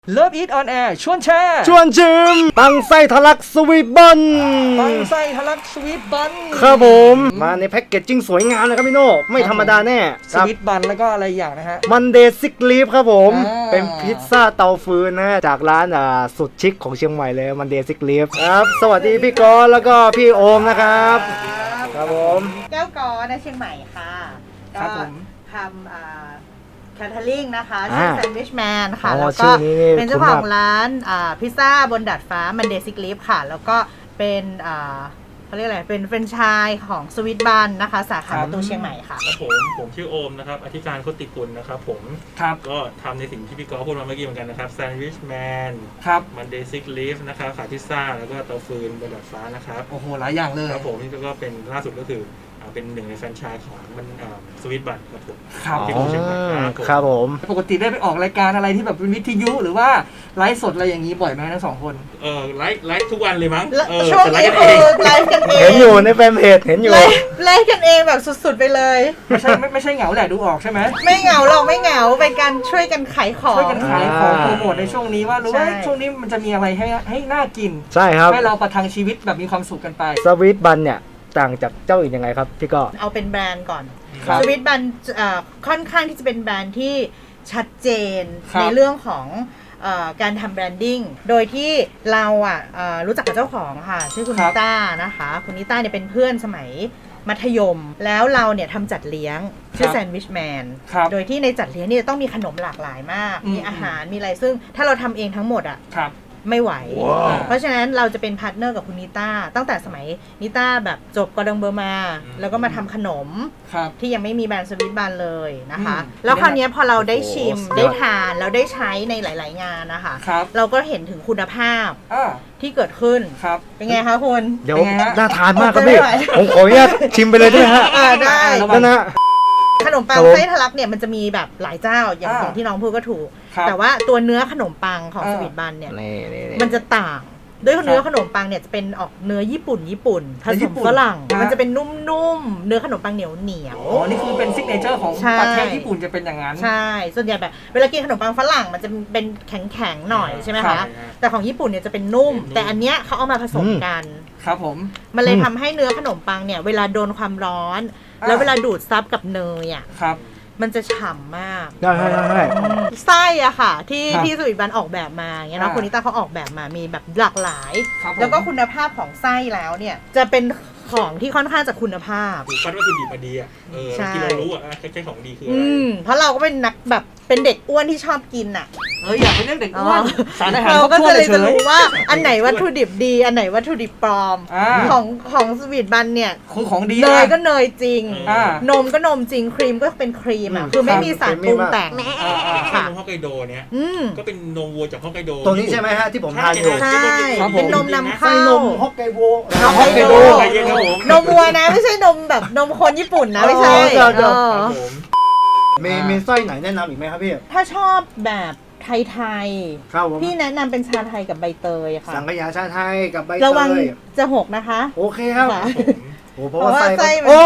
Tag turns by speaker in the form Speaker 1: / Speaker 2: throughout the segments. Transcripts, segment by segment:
Speaker 1: Love Eat on Air ชวนแชร์
Speaker 2: ชวนชิมปังไส้ทะลักสวีทบัน
Speaker 1: ปังไส้ทะลักสวีทบัน
Speaker 2: ครับผมมาในแพ็กเกจจิ้งสวยงามเลยครับพี่โน่ไม่ธรรมดาแน่
Speaker 1: สวีทบันแล้วก็อะไรอย่างนะฮะ
Speaker 2: มันเดย์ซิกลีฟครับผมเป็นพิซซ่าเตาฟืนนะจากร้านสุดชิคของเชียงใหม่เลยมันเดย์ซิกลีฟครับสวัสดีพี่กอแล้วก็พี่โอมนะครับครับผม
Speaker 3: แก้วกอในเชียงใหม่ค่ะก็ทำแคทเทอริงนะคะชื่อแซนด์วิชแมนค่ะแล้วก็เป็นเจ้าของร้านพิซซ่าบนดาดฟ้ามันเดย์ซิกลีฟค่ะแล้วก็เป็นเขาเรียกอะไรเป็นแฟรนไชส์ของสวิตบันนะคะสาขาประตูเชียงใหม่ค่ะ
Speaker 4: ผมชื่อโอมนะครับอธิการโคติกุลนะครับผมก็ทำในสิ่งที่พี่กอล์ฟพูดมาเมื่อกี้เหมือนกันนะครับแซนด์วิชแมนมันเดย์ซิกลีฟนะครับขายพิซซ่าแล้วก็เตาฟืนบนดาดฟ้านะครับ
Speaker 1: โอ้โหหลายอย่างเลย
Speaker 4: ครับผมนี่ก็เป็นล่าสุดก็คือเป็นหนึ่งในแฟรนไชส์ของมันสวิตบัตครับผม
Speaker 1: ที่
Speaker 2: เชียงใหม่ครับผม
Speaker 1: ปกติได้ไปออกรายการอะไรที่แบบเป็นวิทยุหรือว่าไลฟ์สดอะไรอย่างนี้บ่อยไหมทั้งสองคน
Speaker 4: ไลฟ์ทุกวันเลยมั้ง
Speaker 3: ช่วงนี้ไลฟ์กันเอง
Speaker 2: เห็นอยู่ในแฟนเพจเห็นอยู่
Speaker 3: ไลฟ์กันเองแบบสุดๆไปเลย
Speaker 1: ไม่ใช่เหงาแหละดูออกใช่ไหม
Speaker 3: ไม่เหงาหรอกไม่เหงาเป็นการช่วยกันขายของ
Speaker 1: ช่วยกันขายของโปรโมทในช่วงนี้ว่ารู้ว่าช่วงนี้มันจะมีอะไรให้น่ากิน
Speaker 2: ใช่ครับ
Speaker 1: ให้เราประทังชีวิตแบบมีความสุขกันไป
Speaker 2: สวีทบันเนี่ยต่างจากเจ้าอื่นยังไงครับพี่ก็
Speaker 3: เอาเป็นแบรนด์ก่อนสวิตบันค่อนข้างที่จะเป็นแบรนด์ที่ชัดเจนในเรื่องของการทำแบรนดิ้งโดยที่เรารู้จักกับเจ้าของค่ะชื่อคุณนิต้านะคะคุณนิต้าเนี่ยเป็นเพื่อนสมัยมัธยมแล้วเราเนี่ยทำจัดเลี้ยงชื่อแซนด์วิชแมนโดยที่ในจัดเลี้ยงเนี่ยต้องมีขนมหลากหลายมากมีอาหารมีอะไรซึ่งถ้าเราทำเองทั้งหมดไม่ไหว เพราะฉะนั้นเราจะเป็นพาร์ทเนอร์กับคุณนิต้าตั้งแต่สมัยนิต้าแบบจบกอดองเบอร์มาแล้วก็มาทำขนมที่ยังไม่มีแบรนด์สวิตบันเลยนะคะแล้วคราวนี้พอเราได้ชิมได้ทานแล้วได้ใช้ในหลายๆงานนะคะเราก็เห็นถึงคุณภาพที่เกิดขึ้นเป็นไงคะคุณ
Speaker 2: เดี๋ยวน่าทานมากครับพี่ผมขออนุญาตชิมไปเลยด้วยฮะ
Speaker 3: ได้
Speaker 2: แล้วนะ
Speaker 3: ขนมปังไส้ทะลักเนี่ยมันจะมีแบบหลายเจ้าอย่างที่น้องพูดก็ถูกแต่ว่าตัวเนื้อขนมปังของสวีทบันเนี่ยมันจะต่างด้วยเนื้อขนมปังเนี่ยจะเป็นออกเนื้อญี่ปุ่นผสมฝรั่งมันจะเป็นนุ่มๆเนื้อขนมปังเหนียว
Speaker 1: อ๋อนี่คือเป็นซิกเนเจอร์ของประเทศญี่ปุ่นจะเป็นอย่างนั้น
Speaker 3: ใช่ส่วนใหญ่แบบเวลากินขนมปังฝรั่งมันจะเป็นแข็งๆหน่อยใช่ไหมคะแต่ของญี่ปุ่นเนี่ยจะเป็นนุ่มแต่อันเนี้ยเขาเอามาผสมกัน
Speaker 1: ครับผม
Speaker 3: มันเลยทำให้เนื้อขนมปังเนี่ยเวลาโดนความร้อนแล้วเวลาดูดซับกับเนยมันจะฉ่ำมาก
Speaker 2: ใช่
Speaker 3: ไส้อะค่ะที่สวีทบันออกแบบมาอย่างเงี้ยเนาะคุณนิต้าเขาออกแบบมามีแบบหลากหลายแล้วก็คุณภาพของไส้แล้วเนี่ยจะเป็นของที่ค่อนข้างจะคุณภาพ
Speaker 4: คัดว่าคือดีมาดีที่เรารู้ใช่ของดีคืออะไร
Speaker 3: เพราะเราก็เป็นนักแบบเป็นเด็กอ้วนที่ชอบกินอะ
Speaker 1: อยากเป็นเด็กอ้วนสารอาหาร
Speaker 3: เราก็เลยจะรู้ว่าอันไหนวัตถุดิบดีอันไหนวัตถุดิบปลอมของสวีทบันเนี่ย
Speaker 1: คือของดี
Speaker 3: เนยก็เนยจริงนมก็นมจริงครีมก็เป็นครีมอะคือไม่มีสารปรุงแต่ง
Speaker 4: ค่ะนมฮอกไกโดเนี่ยก็เป็นนมวัวจากฮอกไกโด
Speaker 2: ตัวนี้ใช่ไหมฮะที่ผมทานอยู่
Speaker 3: ใช่เป็นนมนำเข้าน
Speaker 2: มฮอกไกโด
Speaker 3: นมวัวนะไม่ใช่นมแบบนมคนญี่ปุ่นนะไม่ใช่
Speaker 2: มีไส้ไหนแนะนำอีกไหมครับพี่
Speaker 3: ถ้าชอบแบบไทยพี่แนะนำเป็นชาไทยกับใบเตยค่ะ
Speaker 2: สังขยาชาไทยกับใบเตย
Speaker 3: ระวังจะหกนะคะ
Speaker 2: โอเคครับโอ้เพราะว่าไส้
Speaker 3: โอ้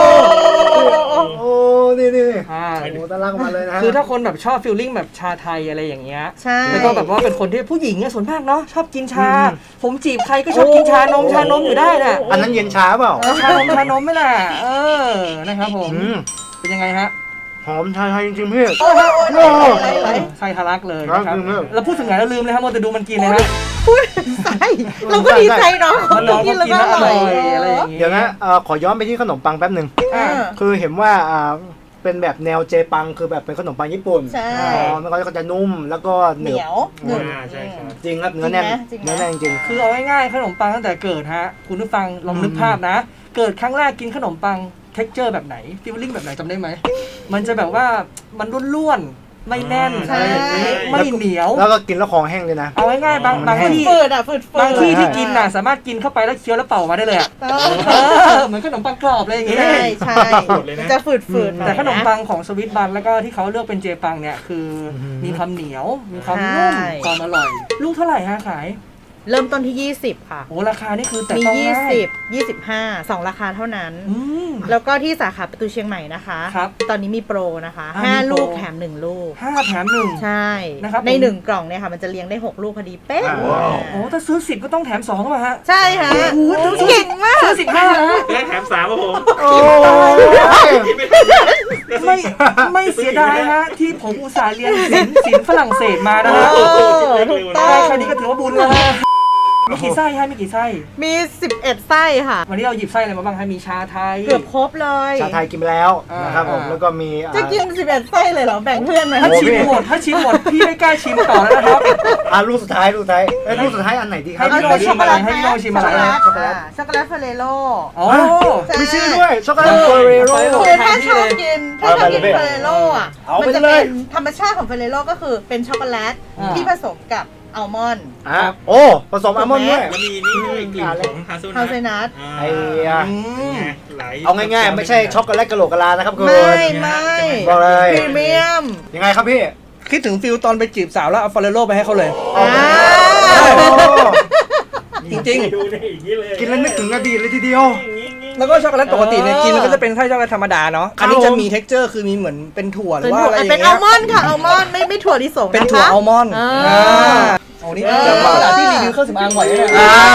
Speaker 2: นี่โอ้ตะลักมาเลยนะ
Speaker 1: คือถ้าคนแบบชอบฟีลลิ่งแบบชาไทยอะไรอย่างเงี้ยแล้วก็แบบว่าเป็นคนที่ผู้หญิงเนี่ยส่วนมากเนาะชอบกินชาผมจีบใครก็ชอบกินชานมอยู่ได้น่ะ
Speaker 2: อันนั้นเย็นชาเปล่า
Speaker 1: ชานมไม่ล่ะนะครับผมเป็นยังไงฮะ
Speaker 2: หอมชาไทยจริงๆพี่
Speaker 1: ไส้ทะลักเลยนะครับเราพูดถึงไหนเราลืมเลยครับมัวแต่ดูมันกินเลยฮะ
Speaker 3: ไส้เราก็ดีใจเนาะ
Speaker 1: มันกินแล้วก็อร่อยอะไรอย่างเงี้ย
Speaker 2: เดี๋ยวนะขอย้อนไปที่ขนมปังแป๊บนึงคือเห็นว่าเป็นแบบแนวเจปังคือแบบเป็นขนมปังญี่ปุ่นมันก็จะนุ่มแล้วก็เหนียว
Speaker 4: ใช่
Speaker 2: จริงครับเนื้อแน่นจริง
Speaker 1: คือเอาง่ายๆขนมปังตั้งแต่เกิดฮะคุณผู้ฟังลองนึกภาพนะเกิดครั้งแรกกินขนมปังเท็กเจอร์แบบไหนฟีลลิ่งแบบไหนจำได้ไหมมันจะแบบว่ามันร่วนๆไม่แน่นไม่เหนียว
Speaker 2: แล้วก็กินแล้วคอแห้งเลยนะ
Speaker 1: เอาง่ายๆบางที่บางที่ที่กินน่ะสามารถกินเข้าไปแล้วเคี้ยวแล้วเป่ามาได้เลยเหมือนขนมปังกรอบอะไรอย่างเงี้ย
Speaker 3: ใช่จะฝืด
Speaker 1: แต่ขนมปังของสวิตบันแล้วก็ที่เขาเลือกเป็นเจปังเนี่ยคือมีความเหนียวมีความนุ่มความอร่อยลูกเท่าไหร่ฮะขาย
Speaker 3: เริ่มต้นที่ 20 ค่ะ
Speaker 1: โอ้ราคานี่คือแต่
Speaker 3: มี
Speaker 1: ต้องง่าย
Speaker 3: 20 25 2 ราคาเท่านั้น
Speaker 1: อืม
Speaker 3: แล้วก็ที่สาขาประตูเชียงใหม่นะคะ
Speaker 1: ครับ
Speaker 3: ตอนนี้มีโปรนะคะ
Speaker 1: มีโปร
Speaker 3: 5 ลูกแถม 1 ลูก
Speaker 1: 5 แถม 1
Speaker 3: ใช่
Speaker 1: นะครับ
Speaker 3: ใน
Speaker 1: ผม
Speaker 3: 1 กล่องเนี่ยค่ะมันจะเลี้ยงได้ 6 ลูกพอดีเป๊ะ
Speaker 1: โอ้ถ้าซื้อ 10 ก็ต้องแถม2ป่ะฮะ
Speaker 3: ใช่ค่ะ
Speaker 1: โอ้โห
Speaker 3: เก่งมาก
Speaker 1: ซื้อ15นะฮะ
Speaker 4: และแถม3ครับผม
Speaker 2: โอ้
Speaker 1: ไม่เสียดายฮะ ที่ผมอุตส่าห์เรียนศิลป์ฝรั่งเศสมานะฮะ
Speaker 3: ถูกต้อ
Speaker 1: ได้
Speaker 3: ง
Speaker 1: แค่นี้ก็ถือว่าบุญแล้วฮะมีกี่ไส้ฮะมีกี่ไส้
Speaker 3: มี 11 ไส้ค่ะ
Speaker 1: วันนี้เราหยิบไส้อะไรมาบ้างฮะมีชาไทย
Speaker 3: เกือบครบเลย
Speaker 2: ชาไทยกินไปแล้วนะครับผม แล้วก็มี
Speaker 3: จะกิน 11 ไส้เลยเหรอ แบ่งเพื่อนไหม
Speaker 1: ถ้าชิมหมดพี่ไม่กล้าชิมต่อแล้วนะครับ
Speaker 2: ลูกสุดท้ายลูกสุดท้ายอันไหนดีครับ
Speaker 1: ให้พี่โน้ตชิมอะไรให้พี่โน้ตชิมอะไร
Speaker 3: ช็อกโกแลตช็อกโกแลตเฟรโร่
Speaker 1: อ๋อ
Speaker 2: มีชื่อด้วยช็อกโกแลตเฟรโร่
Speaker 3: คือถ้าชอบกินถ้าชอบกินเฟรโร่อะ
Speaker 2: เอาไป
Speaker 3: มันจะ
Speaker 2: เล
Speaker 3: เป็
Speaker 2: ย
Speaker 3: นธรรมชาติของเฟรโร่ก็คือเป็นช็อกโกแลตที่ผสมกับอัลมอนด์
Speaker 2: โอ้ผสมอัลมอนด์ด้วย
Speaker 4: แล้วมีนี่ด้วยกลิ่นของฮา
Speaker 3: ฮาเซนัท
Speaker 2: ไอ้
Speaker 4: ไหล
Speaker 2: เอาง่ายๆไม่ใช่ช็อกโกแลตกะโหลกกะลานะครับคุณ
Speaker 3: ไม่
Speaker 2: บอกเลย
Speaker 3: พรีเมียม
Speaker 2: ยังไงครับพี่
Speaker 1: คิดถึงฟิลตอนไปจีบสาวแล้วเอาฟอเรโร่ไปให้เขาเลย จริง
Speaker 4: ดูนี่อย่างนี้เลย
Speaker 2: กินแล้วนึกถึงอดีตเลยทีเดียว
Speaker 1: แล้วก็ช็อกโกแลตปกติเนี่ยกินมันก็จะเป็นไส้ช็อกโกแลตธรรมดาเนาะ อันนี้จะมี texture คือมีเหมือนเป็นถั่วหรือว่าอะไรอย่าง
Speaker 3: เป็น
Speaker 1: เงี้
Speaker 3: อั
Speaker 1: ย
Speaker 3: ลมอนด์ค่ะอัลมอนด์ไม่ถั่วลิสงนะคะ
Speaker 1: เป็นถั่วอัลมอนด์
Speaker 3: อ่า
Speaker 1: โอ้นี่จะมาจากที่รีวิวเครื่องสำอางบ่อยเลย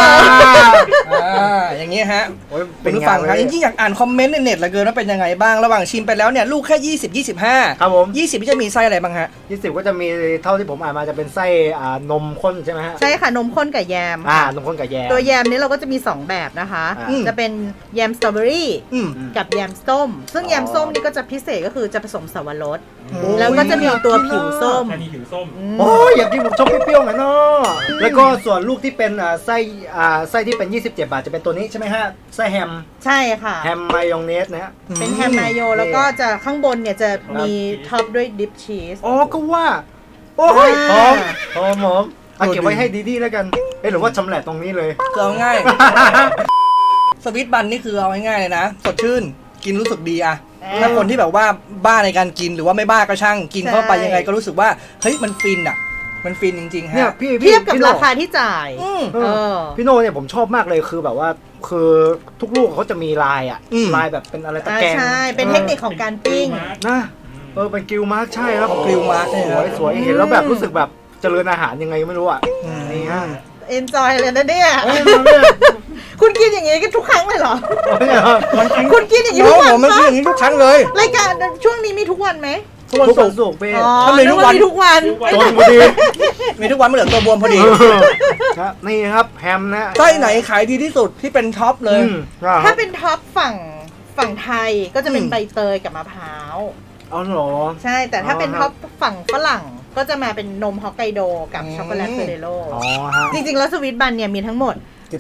Speaker 1: อย่างเงี้ยฮะ
Speaker 2: เป็
Speaker 1: เป็น น
Speaker 2: ไง
Speaker 1: ผู้ฟังครับจริงๆอยากอ่านคอมเมนต์ในเน็ตเหลือเกินว่าเป็นยังไงบ้างระหว่างชิมไปแล้วเนี่ยลูกแค่20 25
Speaker 2: ครับผม
Speaker 1: 20ที่จะมีไส้อะไรบ้างฮะ
Speaker 2: 20ก็จะมีเท่าที่ผมอ่านมาจะเป็นไส้นมข้นใช่ไหมฮะ
Speaker 3: ใช่ค่ะนมข้นกับแยม
Speaker 2: นมข้นกับแยม
Speaker 3: ตัวแยมนี้เราก็จะมี 2 แบบนะคะ จะเป็นแยมสตรอเบอรี่
Speaker 1: อืม
Speaker 3: กับแยมส้ม ซึ่งแยมส้มนี่ก็จะพิเศษก็คือจะผสมสับปะรด
Speaker 1: โอ้ย
Speaker 3: แล้วก็จะมีตัวผิวส้ม
Speaker 4: แค่นี้ผิวส้ม
Speaker 2: โอ้ยอยากกินผมชอบเปรี้ยวๆหน่อยเนาะแล้วก็ส่วนลูกที่เป็นไส้ที่เป็น27 บาทจะเป็นตัวนี้ใช่ไหมฮะไส้แฮม
Speaker 3: ใช่ค่ะ
Speaker 2: แฮมมายองเนสนะฮะ
Speaker 3: เป็นแฮมมายโยแล้วก็จะข้างบนเนี่ยจะมีท็อปด้วยดิปชีส
Speaker 2: อ๋อก็ว่าโอ้ยหอมเอาเก็บไว้ให้ดีๆแล้วกันหรือว่าชำแหละตรงนี้เลย
Speaker 1: คือเอาง่าย สวิตบันนี่คือเอาง่ายๆเลยนะสดชื่นกินรู้สึกดีอะถ้าคนที่แบบว่าบ้าในการกินหรือว่าไม่บ้าก็ช่างกินเข้าไปยังไงก็รู้สึกว่าเฮ้ยมันฟินอะมันฟินจริงๆฮะ
Speaker 2: เนี่ยพี่
Speaker 3: เทียบกับ
Speaker 2: พี่โน่
Speaker 3: ราคาที่จ่าย
Speaker 2: พี่โน่เนี่ยผมชอบมากเลยคือแบบว่าคือทุกลูกเขาจะมีลายอะลายแบบเป็นอะไรตะแกรง
Speaker 3: ใช่เป็นเทคนิคของการปิ้ง
Speaker 2: นะเป็นกิลมาร์กใช่ครับ
Speaker 1: กริลมาร์ก
Speaker 2: สวยสวยเห็นแล้วแบบรู้สึกแบบเจริญอาหารยังไงไม่รู้อ่ะนี่ฮะ
Speaker 3: เอนจอยเลยนะเนี่ย
Speaker 2: เอ้ยมาเนี่ย
Speaker 3: คุณกินอย่างงี้กันทุกครั้งเลยเหรอ
Speaker 2: เนี่ย
Speaker 3: คุณกินอย่างนี้
Speaker 1: น้
Speaker 3: ทุ
Speaker 1: อง
Speaker 3: กวั
Speaker 1: ผม
Speaker 3: น
Speaker 1: มัน
Speaker 3: ปะ
Speaker 1: คืออย่างนี้ทุกครั้งเลย
Speaker 3: รายการช่วงนี้มีทุกวันไหม
Speaker 1: ทุกวัน
Speaker 2: ทุก
Speaker 1: ศุ
Speaker 2: วัน
Speaker 1: กร์
Speaker 2: ศุกร์พี่
Speaker 3: อ๋อ
Speaker 1: ถ้ามีทุกวัน
Speaker 3: มีทุกวัน
Speaker 2: จนพอดี
Speaker 1: มีทุกวันไม่เหลือตัวบวมพอดี
Speaker 2: ครับนี่ครับแฮมนะ
Speaker 1: ไส้ไหนขายดีที่สุดที่เป็นท็อปเลย
Speaker 3: ถ้าเป็นท็อปฝั่งไทยก็จะเป็นใบเตยกับมะพร้าว
Speaker 2: เอาเหรอ
Speaker 3: ใช่ แต่ถ้าเป็นท็อปฝั่งฝรั่งก็จะมาเป็นนมฮอกไกโดกับช็อกโกแลตเฟรโร่
Speaker 2: อ๋อฮะ
Speaker 3: จริงๆแล้วสวิตบันเนี่ยมีทั้งหมด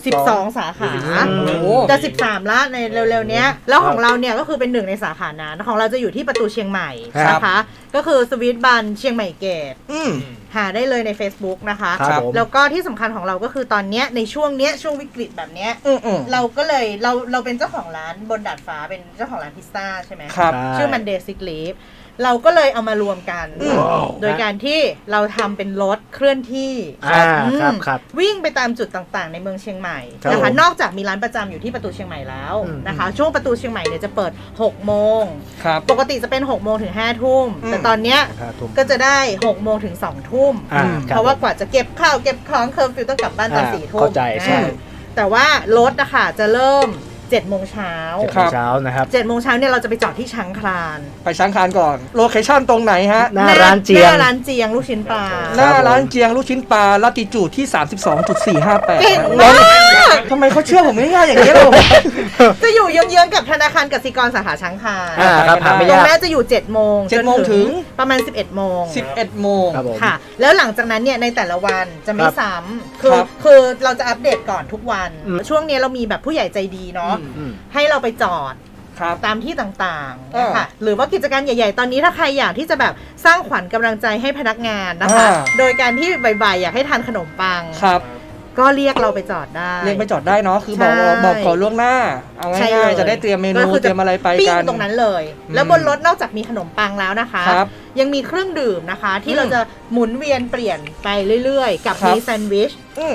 Speaker 3: 12 สาขา
Speaker 1: โอ้โห
Speaker 3: จะ13ละในเร็วๆเนี้ยแล้วของเราเนี่ยก็คือเป็นหนึ่งในสาขานั้นของเราจะอยู่ที่ประตูเชียงใหม่นะคะก็คือสวีทบันเชียงใหม่เกต หาได้เลยใน Facebook นะคะ
Speaker 2: ครับผม
Speaker 3: แล้วก็ที่สำคัญของเราก็คือตอนเนี้ยในช่วงเนี้ยช่วงวิกฤตแบบเนี้ยเราก็เลยเราเป็นเจ้าของร้านบนดาดฟ้าเป็นเจ้าของร้านพิซซ่าใช่ไหม
Speaker 1: ครับ
Speaker 3: ชื่อมันเดซิกลีฟเราก็เลยเอามารวมกัน โดยการที่เราทำเป็นรถเคลื่อนที่
Speaker 2: ครับ
Speaker 3: วิ่งไปตามจุดต่างๆ ในเมืองเชียงใหม่
Speaker 2: ครับ
Speaker 3: นะคะ
Speaker 2: ผม
Speaker 3: นอกจากมีร้านประจำอยู่ที่ประตูเชียงใหม่แล้ว
Speaker 2: อืม
Speaker 3: นะคะ ช่วงประตูเชียงใหม่เนี่ยจะเปิด6โมง
Speaker 1: ครับ
Speaker 3: ปกติจะเป็น6โมงถึง5ทุ่มแต่ตอนเนี้ย
Speaker 2: ทุ่ม
Speaker 3: ก็จะได้6โมงถึง2ทุ่ม
Speaker 2: ค
Speaker 3: เพราะว่ากว่าจะเก็บข้าวเก็บของเคอร์ฟิวต้องกลับบ้านตอน4ทุ่ม
Speaker 2: เข้าใจใช่
Speaker 3: แต่ว่ารถนะคะจะเริ่ม7โมงเช้า
Speaker 2: เช้านะครับ
Speaker 3: 7โมงเช้าเนี่ยเราจะไปจอดที่ช้างคลาน
Speaker 1: ไปช้างคานก่อน โลเคชั่นตรงไหนฮะ
Speaker 2: หน้าร้านเจียง
Speaker 3: หน้าร้านเจียงลูกชิ้นปลา
Speaker 1: หน้าร้านเจียงลูกชิ้นปลาลัติจูดที่ 32.458
Speaker 3: เก่งมาก
Speaker 1: ทำไมเขาเชื่อผมง่ายๆอย่างนี้ยล่ะ
Speaker 3: จะอยู่เยื้องๆกับธนาคารกสิกรสาขาช้างคลาน
Speaker 2: ครับหาไม่
Speaker 3: ตรง
Speaker 2: ยาก
Speaker 3: แม่จะอยู่7โมง
Speaker 1: 7โมงถึง
Speaker 3: ประมาณ11โมง
Speaker 1: 11 โมง
Speaker 2: ครับผม
Speaker 3: ค่ะ แล้วหลังจากนั้นเนี่ยในแต่ละวันจะไม่
Speaker 2: ครับ
Speaker 3: ซ้ำ
Speaker 1: ครับ
Speaker 3: คือเราจะอัปเดตก่อนทุกวัน
Speaker 2: อืม
Speaker 3: ช่วงนี้เรามีแบบผู้ใหญ่ใจดีเนาะ
Speaker 2: อืม
Speaker 3: ให้เราไปจอด
Speaker 1: ครับ
Speaker 3: ตามที่ต่างๆนะคะหรือว่ากิจการใหญ่ๆ ตอนนี้ถ้าใครอยากที่จะแบบสร้างขวัญกำลังใจให้พนักงานนะคะ โดยการที่บ่ายๆอยากให้ทานขนมปัง
Speaker 1: ครับ
Speaker 3: ก็เรียกเราไปจอดได้
Speaker 1: เรียกไปจอดได้เนาะคือบอก
Speaker 3: ใช่
Speaker 1: บอกขอล่วงหน้า เอา
Speaker 3: ใช่
Speaker 1: ง่าย
Speaker 3: ล
Speaker 1: ๆจะได้เตรียมเมนู
Speaker 3: ก็คือ
Speaker 1: เตรียมอะไรไป
Speaker 3: ปิ้
Speaker 1: กัน
Speaker 3: งตรงนั้นเลย แล้วบนรถนอกจากมีขนมปังแล้วนะคะ
Speaker 1: ครับ
Speaker 3: ยังมีเครื่องดื่มนะคะ ที่เราจะหมุนเวียนเปลี่ยนไปเรื่อยๆ กับ
Speaker 1: ครับ
Speaker 3: มีแซนด์วิช
Speaker 1: อืม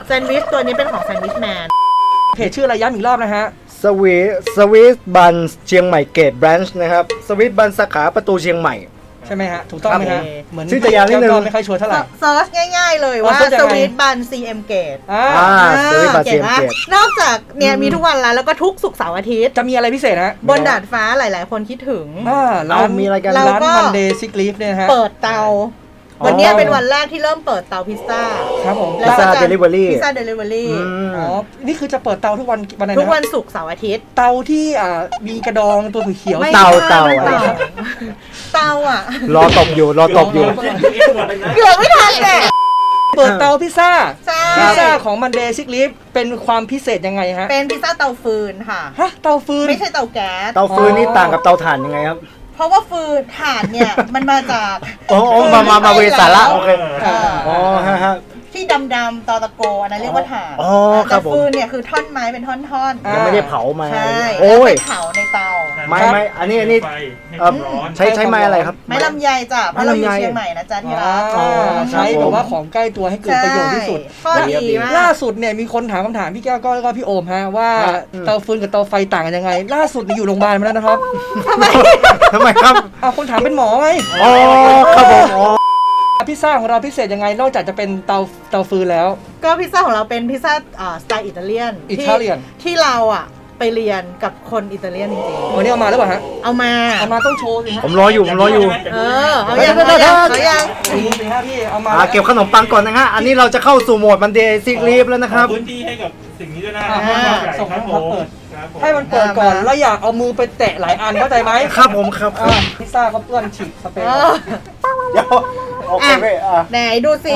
Speaker 3: แซนด์วิชตัวนี้เป็นของแซนด์วิชแมน
Speaker 1: เพจชื่ออะไรย้ำอีกรอบนะฮะ
Speaker 2: สวีทบันเชียงใหม่เกตแบรนช์นะครับสวีทบันสาขาประตูเชียงใหม่
Speaker 1: ใช่ไหมฮะ ถูกต้องไหม
Speaker 2: ครั
Speaker 1: ฮะ
Speaker 2: บ
Speaker 1: เหมือน
Speaker 2: ชื่อจะยาวนิดนึง
Speaker 1: ก็ไม่ค่อยชัวร์เท่าไหร่
Speaker 3: เซิร์ชง่ายๆเลยว่า
Speaker 1: เซิร์ชยัง
Speaker 3: ส
Speaker 1: ไง
Speaker 3: วีทบัน CM Gate
Speaker 1: อ่า
Speaker 2: สวีทบันเชียง
Speaker 3: มาก
Speaker 2: เกต
Speaker 3: นอกจากเนี่ยมีทุกวันแล้วก็ทุกศุกร์เสาร์อาทิตย์
Speaker 1: จะมีอะไรพิเศษฮะ
Speaker 3: บนดาดฟ้าหลายๆ คนคิดถึง
Speaker 1: ร้าน
Speaker 2: มีอะไรกัน
Speaker 3: เรา
Speaker 1: ร้าน
Speaker 3: ก็
Speaker 1: มันเดย์ซิกลีฟเนี่ยฮะ
Speaker 3: เปิดเตา วันนี้เป็นวันแรกที่เริ่มเปิดเตาพิซซ่า
Speaker 1: ครับผม
Speaker 3: แล้ว
Speaker 2: พิซ
Speaker 3: ก็
Speaker 2: ซ่า
Speaker 3: จะ
Speaker 2: เดลิเวอรี่
Speaker 3: พิซซ่าเดลิเวอรี่
Speaker 1: อ๋อ นี่คือจะเปิดเตาทุกวันวันไหน
Speaker 3: ทุกวั
Speaker 1: นะ
Speaker 3: นศุกร์เสาร์อาทิตย์
Speaker 1: เตาที่มีกระดองตัวเขียวๆ
Speaker 3: ไม่
Speaker 2: เตา
Speaker 3: ใช่
Speaker 2: อะไร
Speaker 3: เตาอ่ะ
Speaker 2: รอตบอยู่
Speaker 3: เกือบไม่ทันแหละ
Speaker 1: เปิดเตาพิซซ่า
Speaker 3: ใช่
Speaker 1: พิซซ่าของมันเดย์ซิกลีฟเป็นความพิเศษยังไงฮะ
Speaker 3: เป็นพิซซ่าเตาฟืนค่ะ
Speaker 1: ฮะ เตาฟืน
Speaker 3: ไม่ใช่เตาแก๊ส
Speaker 2: เตาฟืนนี่ต่างกับเตาถ่านยังไงครับ
Speaker 3: เพราะว่าฟืนถ่านเนี่ย มันมาจาก
Speaker 2: โอ้มาเวสาระโอเค
Speaker 3: เออ
Speaker 2: อ๋อฮะ
Speaker 3: ที่ดำๆตอตะโกอันนั้นเรียกว่าถ่าน
Speaker 2: อ๋อครั
Speaker 3: แต่
Speaker 2: บผม
Speaker 3: ฟืนเนี่ยคือท่อนไม้เป็นท่อนๆ
Speaker 2: ยังไม่ได้เผามา
Speaker 3: ใช่
Speaker 2: โอ้ย
Speaker 3: แล้วไปเผาในเตา
Speaker 2: ไม่อันนี้
Speaker 4: ไฟให้
Speaker 2: เอ่อ
Speaker 4: ร้อน
Speaker 2: ใช้ไม้อะไรครับ
Speaker 3: ไม้ลำไยจ้ะเพราะเราอยู่
Speaker 2: ไม้ลำไย
Speaker 3: เชียงใหม่นะจ๊ะที่รัก
Speaker 1: อ๋อ
Speaker 2: ครับ
Speaker 1: ใช้แบบว่าของใกล้ตัวให้เกิดประโยชน์ที่สุด
Speaker 3: ข้อดีมาก
Speaker 1: ล่าสุดเนี่ยมีคนถามคำถามพี่แก้วก็แล้วก็พี่โอมฮะว่า
Speaker 2: อืม
Speaker 1: เตาฟืนกับเตาไฟต่างกันยังไง ล่าสุดนี่อยู่โรงพยาบาลมาแล้วนะครับ
Speaker 2: ทำไมครับ
Speaker 1: เอาคนถามเป็นหมอไง
Speaker 2: อ๋อครับผมอ๋อ
Speaker 1: พิซซ่าของเราพิเศษยังไงนอกจากจะเป็นเตาฟืนแล้ว
Speaker 3: ก็พิซซ่าของเราเป็นพิซซ่าสไตล์อิตาเลียน
Speaker 1: Italian
Speaker 3: ที่เราอ่ะไปเรียนกับคนอิตาเลียนจริง
Speaker 1: วันนี้เอามาหรือเปล่าฮะ
Speaker 3: ๆ เอามา
Speaker 1: เอามาต้องโชว์สิฮะ
Speaker 2: ผมรออยู่
Speaker 3: เออเอายังเอายังเอายัง
Speaker 1: ดูสิฮะพี่เอามา
Speaker 2: เก็บขนมปังก่อนนะฮะ อันนี้เราจะเข้าสู่โหมดมันเดย์ซิกลีฟแล้วนะครับ
Speaker 4: พื้นที่ให้กับสิ่งนี้ด้วยนะ
Speaker 1: ส่ง
Speaker 4: ค
Speaker 1: ให้
Speaker 4: รับ
Speaker 1: เขา
Speaker 4: ผม
Speaker 1: เปิด
Speaker 4: ครับผม
Speaker 1: ให้มันเปิดก่อนแล้วอยากเอามือไปแตะหลายอันเข้าใจไหม
Speaker 2: ครับผมครับ
Speaker 1: พิซซ่าเขาเปื้อนฉีกสเปรย์
Speaker 3: เอ
Speaker 1: ก่อน
Speaker 3: อ
Speaker 2: เดี๋ยวโอเคเว้ย
Speaker 3: ไหนดูสิ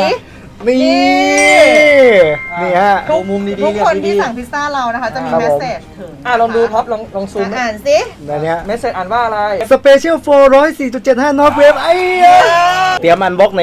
Speaker 2: นี่ฮะ
Speaker 1: ดูมุมดีๆ
Speaker 3: ทุก
Speaker 1: เรีย
Speaker 3: คน
Speaker 1: บดี
Speaker 3: ที่สั่งพิซซ่าเรานะคะ จะมี
Speaker 2: ครับ
Speaker 3: เม
Speaker 2: ผม
Speaker 3: สเซจถึง
Speaker 1: ลองดูท็อปลองซูม
Speaker 3: อ่านสิ
Speaker 2: ในเนี้ย
Speaker 1: เมสเซจอ่านว่าอะไร
Speaker 2: สเปเชียล404.75 นอตเวฟไอ้เตรียมอันบล็อกใน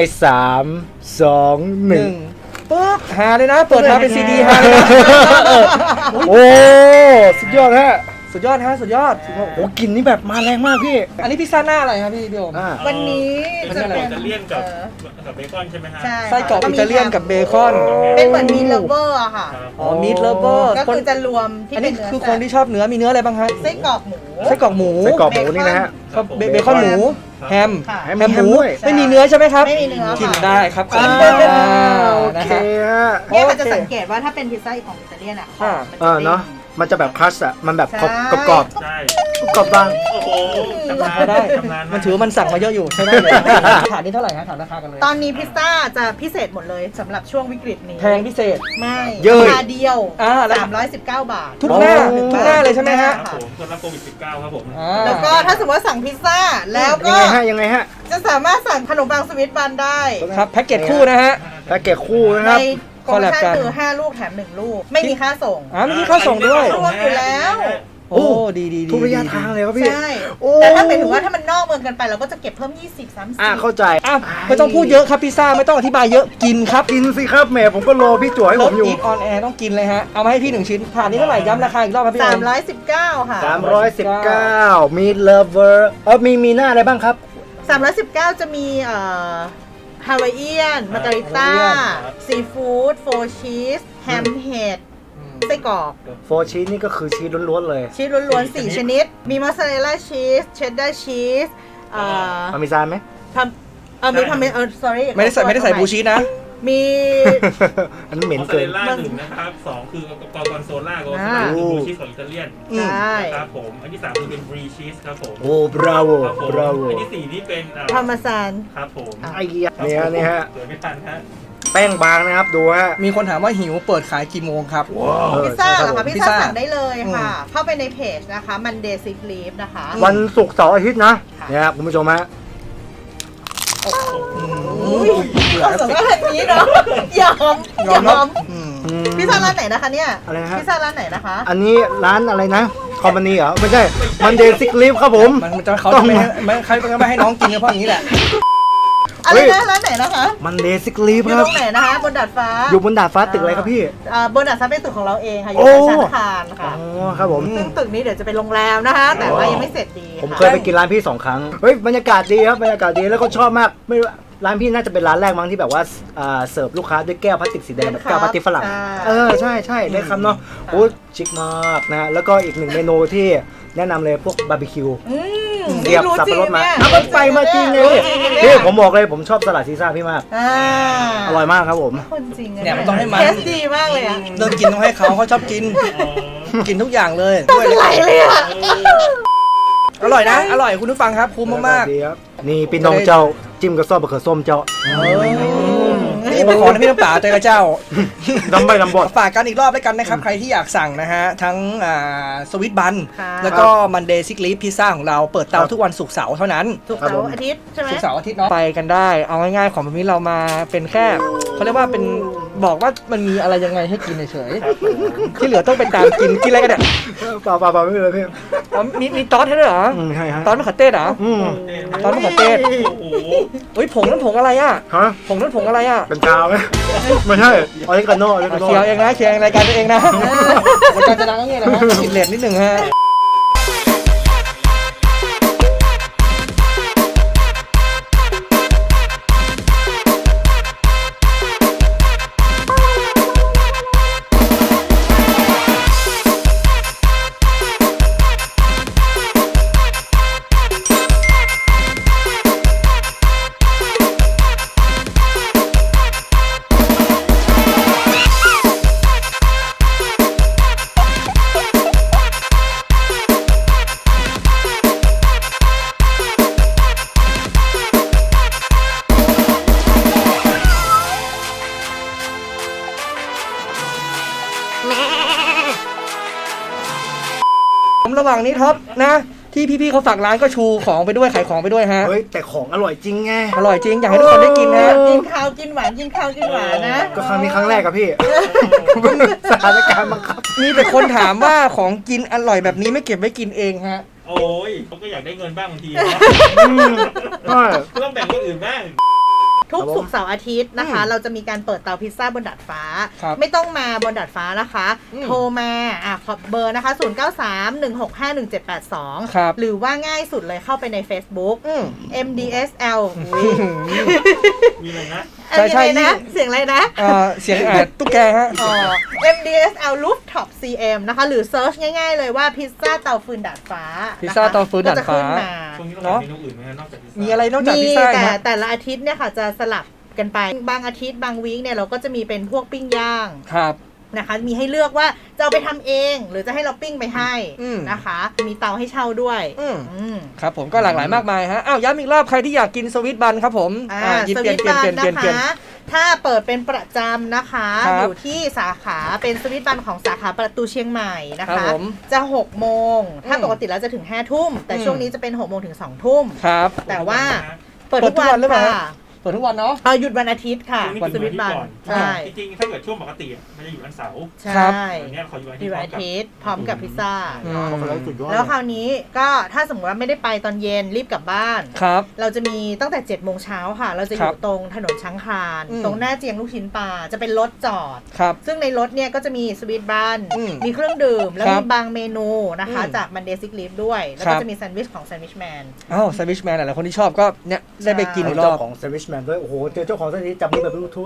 Speaker 2: 3 2
Speaker 1: หนึ่ง
Speaker 2: 1
Speaker 1: ปึ๊บหาเลยนะ เปิดมาเป็นซีดีหาเลยนะ
Speaker 2: โอ้สุดยอดฮะ
Speaker 1: สุดยอดฮะสุดยอด
Speaker 2: โอ้กลิ่นนี่แบบมาแรงมากพี่
Speaker 1: อันนี้พิซซ่าหน้าอะไรครับพี่โอม
Speaker 3: วันนี้
Speaker 4: เป็น
Speaker 3: จะ
Speaker 4: ไส้กร
Speaker 3: เป็
Speaker 4: อก
Speaker 3: น
Speaker 4: อิตาเลียนกับเบคอนใช่ไหมฮะ
Speaker 3: ใช่
Speaker 1: ไส้กรอกอิตาเลียนกับเบคอน
Speaker 3: เป็นเหมือนมีเลเวอร์อะค่ะ
Speaker 4: ครับ
Speaker 1: อ๋อมีดเลเวอร์
Speaker 3: ก็คือจะรวมที่
Speaker 1: อัน
Speaker 3: เป็
Speaker 1: นี้
Speaker 3: นเนื้อ
Speaker 1: คือคนที่ชอบเนื้อมีเนื้ออะไรบ้างฮะ
Speaker 3: ไส้กรอกหมู
Speaker 1: ไส้กรอกหมู
Speaker 2: ไส้กรอกหมูนี่นะฮะ
Speaker 1: ครับเบคอนหมูแฮม
Speaker 3: ค่ะ
Speaker 2: แฮม
Speaker 1: แฮมหมู
Speaker 2: ด้วย
Speaker 1: ไม่มีเนื้อใช่ไหมครับ
Speaker 3: ไม่มีเนื้อค่ะ
Speaker 1: กินได้ครับ
Speaker 2: โอ
Speaker 1: นะ
Speaker 2: เค
Speaker 1: ฮะ
Speaker 2: ฮะ
Speaker 3: เนี่ยมันจะสังเกตว่าถ้าเป็นพิซซ่าของอิตาเลียนอะ
Speaker 1: อ่า
Speaker 3: มันจะด้ง
Speaker 2: เนาะมันจะแบบครัชอะมันแบบ
Speaker 3: ใช่
Speaker 2: กรอบ
Speaker 4: ใช่
Speaker 2: กรอบบาง
Speaker 4: โอ้โหชำนาญ
Speaker 1: ได้
Speaker 4: ชำนาญ
Speaker 1: มันถือว่ามันสั่งมาเยอะอยู่ใช่ไหมถามนี่เท่าไหร่ฮะถามราคากันเลย
Speaker 3: ตอนนี้พิซซ่าจะพิเศษหมดเลยสำหรับช่วงวิกฤตนี้
Speaker 1: แพงพิเศษ
Speaker 3: ไม่
Speaker 2: เยอะ
Speaker 3: ราคาเดียว
Speaker 1: แล้ว
Speaker 3: 319 บาท
Speaker 1: ทุกหน้าทุกหน้าเลยใช่ไหมฮะ
Speaker 4: ครับผมคนรับโควิด -19 ครับผม
Speaker 3: แล้วก็ถ้าสมมติว่าสั่งพิซซ่า แล้วก็
Speaker 2: ยังไงฮะ
Speaker 3: จะสามารถสั่งขนมปังสวิตบันได้
Speaker 1: ครับแพ็กเกจคู่นะฮะ
Speaker 2: แพ็กเกจคู่นะค
Speaker 3: ใน
Speaker 2: รับ
Speaker 3: โปรโมชั่น
Speaker 1: คอลแลบกัน
Speaker 3: คือ 5 ลูกแถม 1 ลูก ไม่มีค่าส่ง
Speaker 1: มีที่เข้าส่งด้วย
Speaker 3: รวมอยู่แล้ว
Speaker 1: โอ้ดี
Speaker 2: ทุกระยะทางเลยครับพี่
Speaker 3: ใช่
Speaker 2: โอ้
Speaker 3: แต่ถ้าเป็นถึงว่าถ้ามันนอกเมืองกันไปเราก็จะเก็บเพิ่ม 20-30
Speaker 2: เข้าใจ
Speaker 1: อ่ะไม่ต้องพูดเยอะครับพิซซ่าไม่ต้องอธิบายเยอะกินครับ
Speaker 2: กินสิครับแหมผมก็รอพี่จั่วให้ผมอยู่
Speaker 1: อีทออนแอร์ต้องกินเลยฮะ เอามาให้พี่1 ชิ้นผ่านนี้เท่าไหร่ย้ำราคาอีกรอบครับพี่โอม
Speaker 3: 319 ค่ะ
Speaker 2: 319 มีเลเวอร์มีหน้าอะไรบ้างครับ
Speaker 3: 319 จะมีฮาวายเอียนมาการิต้าซีฟู้ดโฟชีสแฮมเห็ดไส้กรอก
Speaker 2: โฟชีสนี่ก็คือชีสล้วนๆเลย
Speaker 3: ชีสล้วนๆ 4 ชนิด มีมอสซาเรลล่าชีสเชดดาร์ชีส
Speaker 2: พาร์เมซานไหม
Speaker 3: ทำมีทำsorry
Speaker 1: ไม่ได้ใส่บูชีสนะ
Speaker 3: มี
Speaker 2: อันนั้นเหม็น
Speaker 4: มอสซา
Speaker 2: เกิ
Speaker 4: เร
Speaker 2: น
Speaker 4: ลล่า1นะครับ2คือกอร์กอนโซล่ากอร์กอนโซล่าคือบลูชีสของอิตาเลียน
Speaker 3: ใช่
Speaker 4: นะครับผมอันที่3คือเป็นบรีชีสครับผม
Speaker 2: โอ้บราโว
Speaker 4: ครับผม
Speaker 2: บราโว
Speaker 4: อันที่4นี่เป็น
Speaker 3: พาร์เมซาน
Speaker 4: ครับผม
Speaker 2: ไอ้เหี้ยเนี่ยฮะ
Speaker 4: เดี๋ยวไม่ทันฮะ
Speaker 2: แป้งบางนะครับ ดูฮะ
Speaker 1: มีคนถามว่าหิวเปิดขายกี่โมงครับ
Speaker 3: พิซซ่าเหรอคะ
Speaker 1: พิ
Speaker 3: พิ
Speaker 1: ซ
Speaker 3: ซ
Speaker 1: ซ่า
Speaker 3: ซ่าสั่งได้เลยค่ะ เข้าไปในเพจนะคะ Monday Sick Leave นะคะ
Speaker 2: วันศุกร์เสาร์อาทิตย์นะ
Speaker 3: ค่ะ
Speaker 2: เนี่ยครับคุณผู้ชมฮะ
Speaker 3: อุ้ยขอสมว่าแบบนี้เนาะยอม พิซซ่าร้านไหนนะคะเนี่ย
Speaker 2: อะไรนะฮะ
Speaker 3: พิซซ่าร้านไหนนะคะ
Speaker 2: อันนี้ร้านอะไรนะคอมพานีเหรอ ไม่ใช่ มันเดย์ซิกลิฟครับผม
Speaker 1: มันจะเขาจะไม่ใครจะไม่ให้น้องกินก็เพราะอย่างนี้แหละ
Speaker 3: อะไรนะร้านไหนนะคะ
Speaker 2: มันเดย์ซิกลิฟ
Speaker 3: อยู่
Speaker 2: ค
Speaker 3: ต
Speaker 2: รับ
Speaker 3: รงไหนนะคะ บนดาดฟ้า
Speaker 2: อยู่บนดาดฟ้าตึกอะไรครับพี่
Speaker 3: บนดาดฟ้าเป็นตึกของเราเองค่ะ อ
Speaker 2: โอ้
Speaker 3: ยู่ในชั้นอาคารค่ะ
Speaker 2: อ๋อครับผม
Speaker 3: ซึ่งตึกนี้เดี๋ยวจะเป็นโรงแรมนะคะ แต่ว่ายังไม่เสร็จดี
Speaker 2: ผม
Speaker 3: ค่ะ
Speaker 2: เคยไปกินร้านพี่2 ครั้ง เฮ้ยบรรยากาศดีครับบรรยากาศดีแล้วก็ชอบมากไม่รู้ร้านพี่น่าจะเป็นร้านแรกมั้งที่แบบว่าเสิร์ฟลูกค้าด้วยแก้วพลาสติกสีแดงแบบแก้วพลาสติกฝรั่งใช่ได้คำเนาะโอ้ชิคมากนะแล้วก็อีกหนึ่งเมนูที่แนะนำเลยพวกบาร์บีคิวเสียบสับปะรดมาก็ไปมาจริงเลยพี่ผมบอกเลยผมชอบสลัดซีซ่าพี่มากอร่อยมากครับผม
Speaker 3: คนจริง
Speaker 1: เนี่ยมันต้องให้มัน
Speaker 3: เทสดีมากเลยอ่ะ
Speaker 1: เรื่องกินต้องให้เขาชอบกิน กินทุกอย่างเลย
Speaker 3: ต้องไหลเลยอ่ะ
Speaker 1: อร่อยนะ อร่อยคุณผู้ฟังครับคุ้มมาก
Speaker 2: ดีครับนี่พี่น้องเจ้าจิ้มกับซอสมะเขือส้มเจ้า
Speaker 1: นี่มาขอนะพี่น้ำป่าเจอกระเจ้า
Speaker 2: ดำใบดำบด
Speaker 1: ฝากกันอีกรอบแล้วกันนะครับ ใครที่อยากสั่งนะฮะ ทั้งสวิตบัน
Speaker 3: ค่ะ
Speaker 1: แล้วก็มันเดย์ซิกลีฟพิซซ่าของเราเปิดเตาทุกวันศุกร์เสาร์เท่านั้น
Speaker 3: ถูกเสาร์อาทิตย์ใช่ไหม
Speaker 1: ศุกร์เสาร์อาทิตย์เนาะไปกันได้ เอาง่ายๆของแบบนี้เรามาเป็นแค่เขาเรียกว่าเป็นบอกว่ามันมีอะไรยังไงให้กินเฉยๆที่เหลือต้องไปตามกินอะไรกันเนี่ย
Speaker 2: เปล่าไม่เป็นไรพี่
Speaker 1: อ๋อมีซอสให้ด้วยเหรอ
Speaker 2: ใช่ฮะ
Speaker 1: ซอสมะเขือเทศเหรอ ซอสมะเขือเทศ
Speaker 4: โอ้โห
Speaker 1: เฮ้ยผงนั่นผงอะไรอ่ะ
Speaker 2: ฮะ
Speaker 1: ผงนั่นผงอะไรอ่ะ
Speaker 2: เป็นกาวไหมไม่ใช่ออริกาโน่ออริกาโน่
Speaker 1: เชียวเองนะเชียวเองรายการตัวเองนะรายการจะดังก็เงี้ยนะฮะติดเลทนิดหนึ่งฮะผมระหว่างนี้ท็อปนะที่พี่ๆเขาฝากร้านก็ชูของไปด้วยขายของไปด้วยฮะ
Speaker 2: เฮ้ยแต่ของอร่อยจริงไง
Speaker 1: อร่อยจริงอยากให้ทุกคนได้กินนะ
Speaker 3: กินข้าวกินหวานกินข้าวกินหวานนะ
Speaker 2: ก็ครั้งนี้ครั้งแรกกับพี่ สถานการณ์บังคับ
Speaker 1: มีแต่คนถามว่าของกินอร่อยแบบนี้ไม่เก็บไว้กินเองฮะ
Speaker 4: โอ้ยเขาก็อยากได้เงินบ้างบางทีนะ
Speaker 2: ใช่
Speaker 4: ต้องแบ่งคนอื่นบ้าง
Speaker 3: ทุกศุกร์เสาร์อาทิตย์นะคะ เราจะมีการเปิดเตาพิซซ่าบนดาดฟ้า
Speaker 1: ครับ
Speaker 3: ไม่ต้องมาบนดาดฟ้านะคะ โทรมาขอเบอร์นะคะ 0931651782
Speaker 1: ครับ
Speaker 3: หรือว่าง่ายสุดเลยเข้าไปใน Facebook MDSL
Speaker 4: มีอะไรนะ
Speaker 1: ใช่ใช่
Speaker 3: อะไรนะเสียงอะไรนะ
Speaker 1: เสียงตุ๊กแกฮะ
Speaker 3: MDSL Rooftop CM นะคะ หรือเซิร์ชง่ายๆเลยว่าพิซซ่าเตาฟืนดาดฟ้า
Speaker 1: พิซซ่าเตาฟืนดาดฟ้า
Speaker 3: ก็จะขึ้นมา
Speaker 4: ช่วงนี้เรามีเมนูอื่นไหมนอกจากพิซซ่า
Speaker 1: มีอะไรนอกจาก
Speaker 3: มี
Speaker 1: พิซซ่าอีก
Speaker 3: แต่
Speaker 1: ไหม
Speaker 3: แต่ละอาทิตย์เนี่ยค่ะจะสลับกันไปบางอาทิตย์บางวีคเนี่ยเราก็จะมีเป็นพวกปิ้งย่าง
Speaker 1: ครับ
Speaker 3: นะคะมีให้เลือกว่าจะเอาไปทำเองหรือจะให้เราปิ้งไปให้
Speaker 1: อืม
Speaker 3: นะคะ มีเตาให้เช่าด้วย
Speaker 1: อืม
Speaker 3: อืม
Speaker 1: ครับผมก็หลากหลายมากมายฮะอ้าวย้ำอีกรอบใครที่อยากกินสวิตบันครับผมหยิบ
Speaker 3: ส
Speaker 1: เปลี่
Speaker 3: วิ
Speaker 1: ยน
Speaker 3: ต
Speaker 1: เปลี่ยน
Speaker 3: บั
Speaker 1: เปลี่ย
Speaker 3: น
Speaker 1: นเปลี่ยน
Speaker 3: นะ
Speaker 1: เปลี่ยน
Speaker 3: คะ ถ้าเปิดเป็นประจำนะคะ
Speaker 1: ครับ
Speaker 3: อยู่ที่สาขาเป็นสวิตบันของสาขาประตูเชียงใหม่นะ
Speaker 1: ครั
Speaker 3: คะ
Speaker 1: บผม
Speaker 3: จะ6โมงถ้าปกติแล้วจะถึง5ทุ่มแต่ช่วงนี้จะเป็น6โมงถึง2ทุ่ม
Speaker 1: ครับ
Speaker 3: แต่ว่าเปิด
Speaker 1: เปิ
Speaker 3: ทุ
Speaker 1: ด
Speaker 3: ก
Speaker 1: ทุกวั
Speaker 3: วัน น
Speaker 1: หรือเปล่า
Speaker 3: ค่ะ
Speaker 1: เปิดทุกวันเนาะ
Speaker 3: หยุดวันอาทิตย์ค่ะ
Speaker 4: ช่วงนี้
Speaker 3: สวิตบัน
Speaker 4: ก่อน
Speaker 3: ใช่
Speaker 4: จริงๆถ้าเกิดช่วงปกติอะมันจะอยู่วันเสาร์
Speaker 3: ใช่
Speaker 4: อันเนี้ยเขาอยู่วัน
Speaker 3: ที่วันอา
Speaker 4: ที่
Speaker 3: ทิตย์พร้อมกับพิซซ่า
Speaker 1: อืม
Speaker 3: แล้วคราวนี้ก็ถ้าสมมติว่าไม่ได้ไปตอนเย็นรีบกลับบ้าน
Speaker 1: ครับ
Speaker 3: เราจะมีตั้งแต่7โมงเช้าค่ะ เราจะอ
Speaker 1: ครั
Speaker 3: ยู่
Speaker 1: บ
Speaker 3: ตรงถนนช้างคลาน
Speaker 1: อืม
Speaker 3: ตรงหน้าเจียงลูกชิ้นปลาจะเป็นรถจอด
Speaker 1: ครับ
Speaker 3: ซึ่งในรถเนี่ยก็จะมีสวีทบัน
Speaker 1: อืม
Speaker 3: มีเครื่องดื่ม แล้ว
Speaker 1: ครับ
Speaker 3: มีบางเมนูนะคะ
Speaker 1: อืม
Speaker 3: จากมันเดซิกลิฟด้วย แล้ว
Speaker 1: ครั
Speaker 3: ก็
Speaker 1: บ
Speaker 3: จะมีแซนด์วิชของแซนด์วิชแมน
Speaker 1: อ้าวแซนด์วิชแมนหลายๆคนที่ชอบก็เนี่ยได้ไปกินอีกร
Speaker 2: เจ้า
Speaker 1: อบ
Speaker 2: ของเซวิชแมนด้วยโอ้โหเจอเจ้าของเส้นนี้จับมือแบบบลูทูธ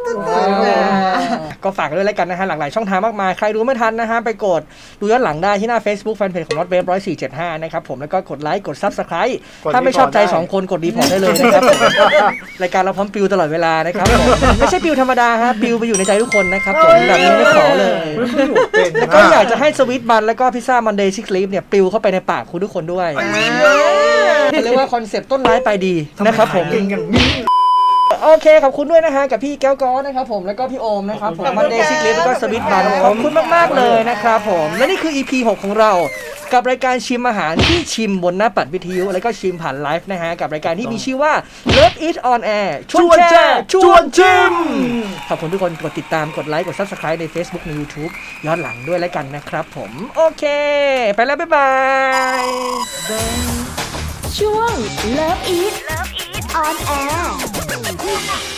Speaker 1: ก็ฝากด้วยแล้วกันนะฮะหลากหลายช่องทางมากมาย ใครดูไม่ทันนะฮะ ไปกดดูย้อนหลังได้ที่หน้า Facebook Fanpage ของ NotWave 1475 นะครับผมแล้วก็กดไลค์กด Subscribe ถ้าไม่ชอบใจ 2 คนกดรีพอร์ตได้เลยนะครับผมรายการเราพร้อมปิวตลอดเวลานะครับผมไม่ใช่ปิวธรรมดาฮะปิวไปอยู่ในใจทุกคนนะครับผมแบบนี้ไม่ขอเลย แล้วก็อยากจะให้สวิตบันแล้วก็พิซซ่ามันเดย์ซิกลีฟเนี่ยปิวเข้าไปในปากคุณทุกคนด้วยเรียกว่าคอนเซ็ปต์ต้นร้ายปลายดีนะครับผม
Speaker 2: เก่งอย่างนี้
Speaker 1: โอเคขอบคุณด้วยนะฮะกับพี่แก้วก้อนะครับผมแล้วก็พี่โอมนะครับผมมันเดย์ซิกลิฟแล้วก็สวิตบันขอบคุณมากๆเลยนะครับผมและนี่คือ EP 6 ของเรากับรายการชิมอาหารที่ชิมบนหน้าปัดวิทยุแล้วก็ชิมผ่านไลฟ์นะฮะกับรายการที่มีชื่อว่า Love It On Air ชวนแชร์ชวนชิมขอบคุณทุกคนกดติดตามกดไลค์กด Subscribe ใน Facebook ใน YouTube ย้อนหลังด้วยแล้วกันนะครับผมโอเคไปแล้วบ๊ายบาย
Speaker 5: ช่วง Love Eat On Air